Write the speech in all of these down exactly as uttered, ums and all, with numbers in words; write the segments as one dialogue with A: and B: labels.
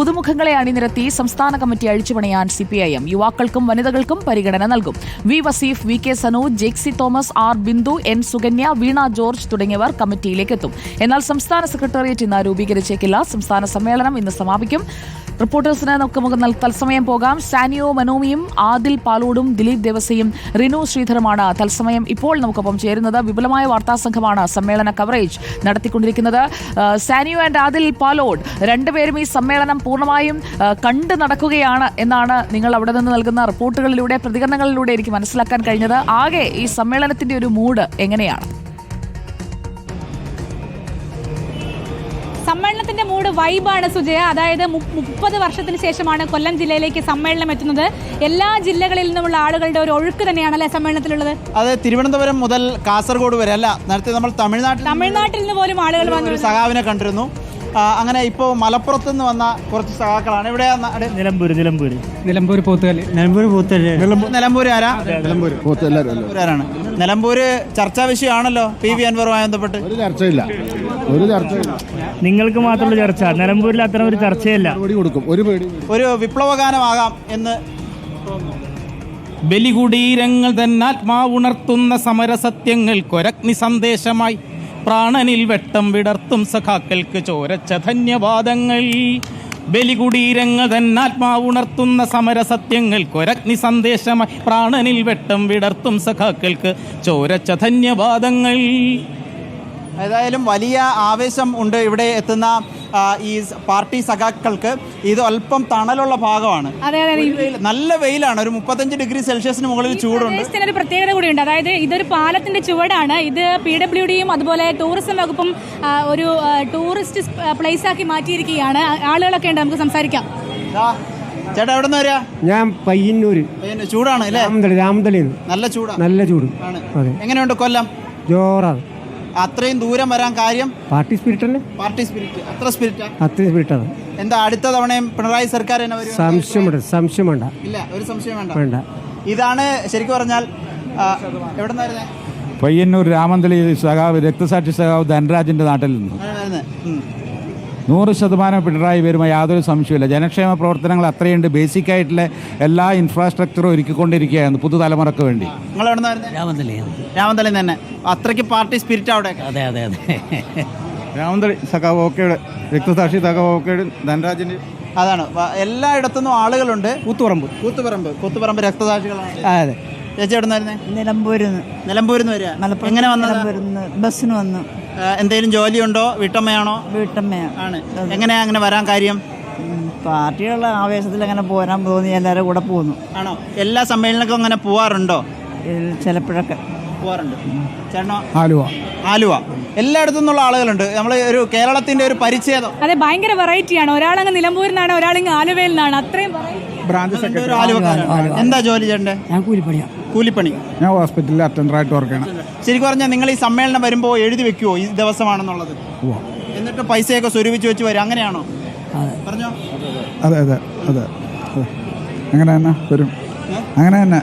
A: പുതുമുഖങ്ങളെ അണിനിരത്തി സംസ്ഥാന കമ്മിറ്റി അഴിച്ചുപണിയാൻ സി പി ഐ എം. യുവാക്കൾക്കും വനിതകൾക്കും പരിഗണന നൽകും. V Vaseef, V K Sanooj, Jexy Thomas, R Bindu, N Sukanya, Veena George തുടങ്ങിയവർ കമ്മിറ്റിയിലേക്ക് എത്തും. എന്നാൽ സംസ്ഥാന സെക്രട്ടേറിയറ്റ് ഇന്ന് രൂപീകരിച്ചേക്കില്ല. സംസ്ഥാന സമ്മേളനം ഇന്ന് സമാപിക്കും. റിപ്പോർട്ടേഴ്സിന് നമുക്ക് തത്സമയം പോകാം. സാനിയോ മനോമിയും ആദിൽ പാലോടും ദിലീപ് ദേവസയും റിനു ശ്രീധറുമാണ് തത്സമയം ഇപ്പോൾ നമുക്കൊപ്പം ചേരുന്നത്. വിപുലമായ വാർത്താസംഘമാണ് സമ്മേളന കവറേജ് നടത്തിക്കൊണ്ടിരിക്കുന്നത്. സാനിയോ ആൻഡ് ആദിൽ പാലോഡ് രണ്ടുപേരും ഈ സമ്മേളനം പൂർണ്ണമായും കണ്ടു നടക്കുകയാണ് എന്നാണ് നിങ്ങൾ അവിടെ നിന്ന് നൽകുന്ന റിപ്പോർട്ടുകളിലൂടെ, പ്രതികരണങ്ങളിലൂടെ എനിക്ക് മനസ്സിലാക്കാൻ കഴിഞ്ഞത്. ആകെ ഈ സമ്മേളനത്തിന്റെ ഒരു മൂഡ് എങ്ങനെയാണ്?
B: സമ്മേളനത്തിന്റെ മൂഡ് വൈബാണ് സുജയ. അതായത് മുപ്പത് വർഷത്തിന് ശേഷമാണ് കൊല്ലം ജില്ലയിലേക്ക് സമ്മേളനം എത്തുന്നത്. എല്ലാ ജില്ലകളിൽ നിന്നുമുള്ള ആളുകളുടെ ഒരു ഒഴുക്ക് തന്നെയാണ് അല്ലെ സമ്മേളനത്തിലുള്ളത്?
C: അതെ, തിരുവനന്തപുരം മുതൽ കാസർഗോഡ് വരെ അല്ല, നേരത്തെ നമ്മൾ തമിഴ്നാട്ടിൽ
B: തമിഴ്നാട്ടിൽ നിന്ന് പോലും ആളുകൾ വന്നു
C: സഖാവിനെ കണ്ടിരുന്നു. അങ്ങനെ ഇപ്പോൾ മലപ്പുറത്ത് നിന്ന് വന്ന കുറച്ച് സഖാക്കളാണ്. ഇവിടെ
D: നിലമ്പൂർ നിലമ്പൂർ
E: നിലമ്പൂർ പോത്തുകല്ല് നിലമ്പൂർ പോത്തുകല്ല്
C: നിലമ്പൂർ ആരാ നിലമ്പൂരാണ്. നിലമ്പൂര് ചർച്ചാ വിഷയമാണല്ലോ പി വി അൻവറുമായി ബന്ധപ്പെട്ട്.
F: ഒരു ചർച്ചയില്ല ഒരു ചർച്ചയില്ല
D: നിങ്ങൾക്ക് മാത്രമുള്ള ചർച്ച. നിലമ്പൂരിൽ അത്തരം ഒരു ചർച്ചയില്ല.
C: ഒരു വിപ്ലവഗാനമാകാം എന്ന്
G: ബലികുടീരങ്ങൾ തന്നാത്മാവുണർത്തുന്ന സമരസത്യങ്ങൾ കൊരഗ്നി സന്ദേശമായി പ്രാണനിൽ വെട്ടം വിടർത്തും സഖാക്കൾക്ക് ചോരച്ച ധന്യവാദങ്ങൾ. ബലികുടീരങ്ങൾ തന്നാത്മാവുണർത്തുന്ന സമരസത്യങ്ങൾ കൊരഗ്നി സന്ദേശമായി പ്രാണനിൽ വെട്ടം വിടർത്തും സഖാക്കൾക്ക് ചോരച്ച ധന്യവാദങ്ങൾ.
C: ഏതായാലും വലിയ ആവേശം ഉണ്ട് ഇവിടെ എത്തുന്ന ഈ പാർട്ടി സഖാക്കൾക്ക്. ഇത് അല്പം തണലുള്ള ഭാഗമാണ്. നല്ല വെയിലാണ്, ഒരു മുപ്പത്തഞ്ച് ഡിഗ്രി സെൽഷ്യസിന് മുകളിൽ ചൂടുണ്ട്.
B: ഒരു പ്രത്യേകത കൂടിയുണ്ട്. അതായത് ഇതൊരു പാലത്തിന്റെ ചുവടാണ്. ഇത് പി ഡബ്ല്യു ഡിയും അതുപോലെ ടൂറിസം വകുപ്പും ഒരു ടൂറിസ്റ്റ് പ്ലേസ് ആക്കി മാറ്റിയിരിക്കുകയാണ്. ആളുകളൊക്കെ ഉണ്ട്, നമുക്ക് സംസാരിക്കാം.
C: ചേട്ടാ എവിടെ നിന്ന് വരിക?
E: ഞാൻ പയ്യന്നൂര്.
C: ചൂടാണ് അല്ലേ?
E: രാമതലയിൽ
C: നല്ല ചൂടാണ്.
E: നല്ല ചൂട്.
C: എങ്ങനെയുണ്ട് കൊല്ലം?
E: ജോറാണ്.
C: അത്രയും ദൂരം വരാൻ കാര്യം
E: പാർട്ടി സ്പിരിറ്റ് അല്ലേ?
C: Party spirit. അത്ര സ്പിരിറ്റ്
E: അത്രയും സ്പിരിറ്റാണ്.
C: എന്താ അടുത്ത തവണയും പിണറായി സർക്കാർ
E: സംശയമുണ്ട്? സംശയം വേണ്ട.
C: ഇല്ല, ഒരു സംശയം വേണ്ട
E: വേണ്ട.
C: ഇതാണ് ശരിക്കും പറഞ്ഞാൽ എവിടെ നിന്നായിരുന്നേ?
H: പയ്യന്നൂർ രാമന്തളിയിൽ സഖാവ് രക്തസാക്ഷി സഖാവ് ധനരാജിന്റെ നാട്ടിൽ നിന്ന് നൂറ് ശതമാനം പിണറായി വരുമ്പോൾ യാതൊരു സംശയമില്ല. ജനക്ഷേമ പ്രവർത്തനങ്ങൾ അത്രയുണ്ട്. ബേസിക് ആയിട്ടുള്ള എല്ലാ ഇൻഫ്രാസ്ട്രക്ചറും ഒരുക്കിക്കൊണ്ടിരിക്കുകയാണ് പുതുതലമുറക്ക് വേണ്ടി.
C: നിങ്ങൾ എവിടെ നിന്നായിരുന്നു?
I: രാമന്തളിയിൽ.
C: രാമന്തളിയിൽ തന്നെ. അത്രയ്ക്ക് പാർട്ടി സ്പിരിറ്റ് അവിടെ.
I: അതെ അതെ അതെ
H: രാമന്തളി സഖാവ് ഓക്കെയുടെ രക്തസാക്ഷി സഖാവ് ഓക്കെയുടെ ധനരാജിന്റെ
C: അതാണ്. എല്ലായിടത്തുനിന്നും ആളുകളുണ്ട്.
E: കൂത്തുപറമ്പ്
C: കൂത്തുപറമ്പ് കൂത്തുപറമ്പ് രക്തസാക്ഷികളാണ്.
E: അതെ.
C: ചേച്ചി എവിടെ നിന്നായിരുന്നേ?
J: നിലമ്പൂരിൽ നിന്ന്.
C: നിലമ്പൂരിൽ നിന്ന് വരിക. എങ്ങനെ വന്നു?
J: ബസ്സിന് വന്നു.
C: എന്തെങ്കിലും ജോലിയുണ്ടോ? വീട്ടമ്മയാണോ?
J: വീട്ടമ്മയാണ്.
C: ആണ്. എങ്ങനെയാ അങ്ങനെ വരാൻ കാര്യം?
J: പാർട്ടിയുള്ള ആവേശത്തിൽ അങ്ങനെ പോരാൻ തോന്നി എല്ലാവരും കൂടെ പോകുന്നു.
C: ആണോ? എല്ലാ സമ്മേളനക്കും അങ്ങനെ പോവാറുണ്ടോ?
J: ചിലപ്പോഴൊക്കെ
C: പോവാറുണ്ട്. ചേട്ടനോ?
H: ആലുവ.
C: ആലുവ. എല്ലായിടത്തു നിന്നുള്ള ആളുകളുണ്ട്. നമ്മൾ ഒരു കേരളത്തിന്റെ ഒരു പരിച്ഛേദം.
B: അതെ, ഭയങ്കര വെറൈറ്റിയാണ്. ഒരാളങ്ങ് നിലമ്പൂരിൽ നിന്നാണ്, ഒരാളിങ്ങ് ആലുവയിൽ നിന്നാണ്. അത്രയും
H: ബ്രാഞ്ച് സെക്രട്ടറി.
C: ആലുവക്കാരൻ. എന്താ ജോലി ചേട്ടൻ്റെ?
J: ഞാൻ കൂലിപ്പണിയാണ്.
C: കൂലിപ്പണി.
H: ഞാൻ ഹോസ്പിറ്റലിൽ അറ്റൻഡറായിട്ട് വർക്ക് ചെയ്യണം.
C: ശരിക്കും പറഞ്ഞാൽ നിങ്ങൾ ഈ സമ്മേളനം വരുമ്പോൾ എഴുതി വെക്കുവോ ഈ ദിവസമാണെന്നുള്ളത്? എന്നിട്ട് പൈസയൊക്കെ സ്വരൂപിച്ച് വെച്ച് വരും, അങ്ങനെയാണോ? പറഞ്ഞോ.
H: അതെ അതെ അതെ അങ്ങനെ തന്നെ വരും. അങ്ങനെ തന്നെ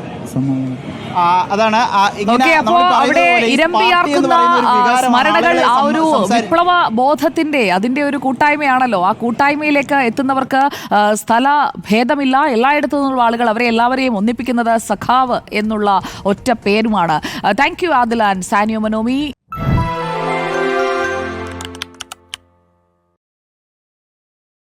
C: അതാണ്.
A: അപ്പോൾ അവിടെ ഇരമ്പിയാർക്കുന്ന സ്മരണകൾ, ആ ഒരു വിപ്ലവ ബോധത്തിന്റെ അതിന്റെ ഒരു കൂട്ടായ്മയാണല്ലോ. ആ കൂട്ടായ്മയിലേക്ക് എത്തുന്നവർക്ക് സ്ഥല ഭേദമില്ല. എല്ലായിടത്തു നിന്നുള്ള ആളുകൾ അവരെ എല്ലാവരെയും ഒന്നിപ്പിക്കുന്നത് സഖാവ് എന്നുള്ള ഒറ്റ പേരുമാണ്. താങ്ക് യു ആദിൽ ആൻഡ് സാനിയോ മനോമി.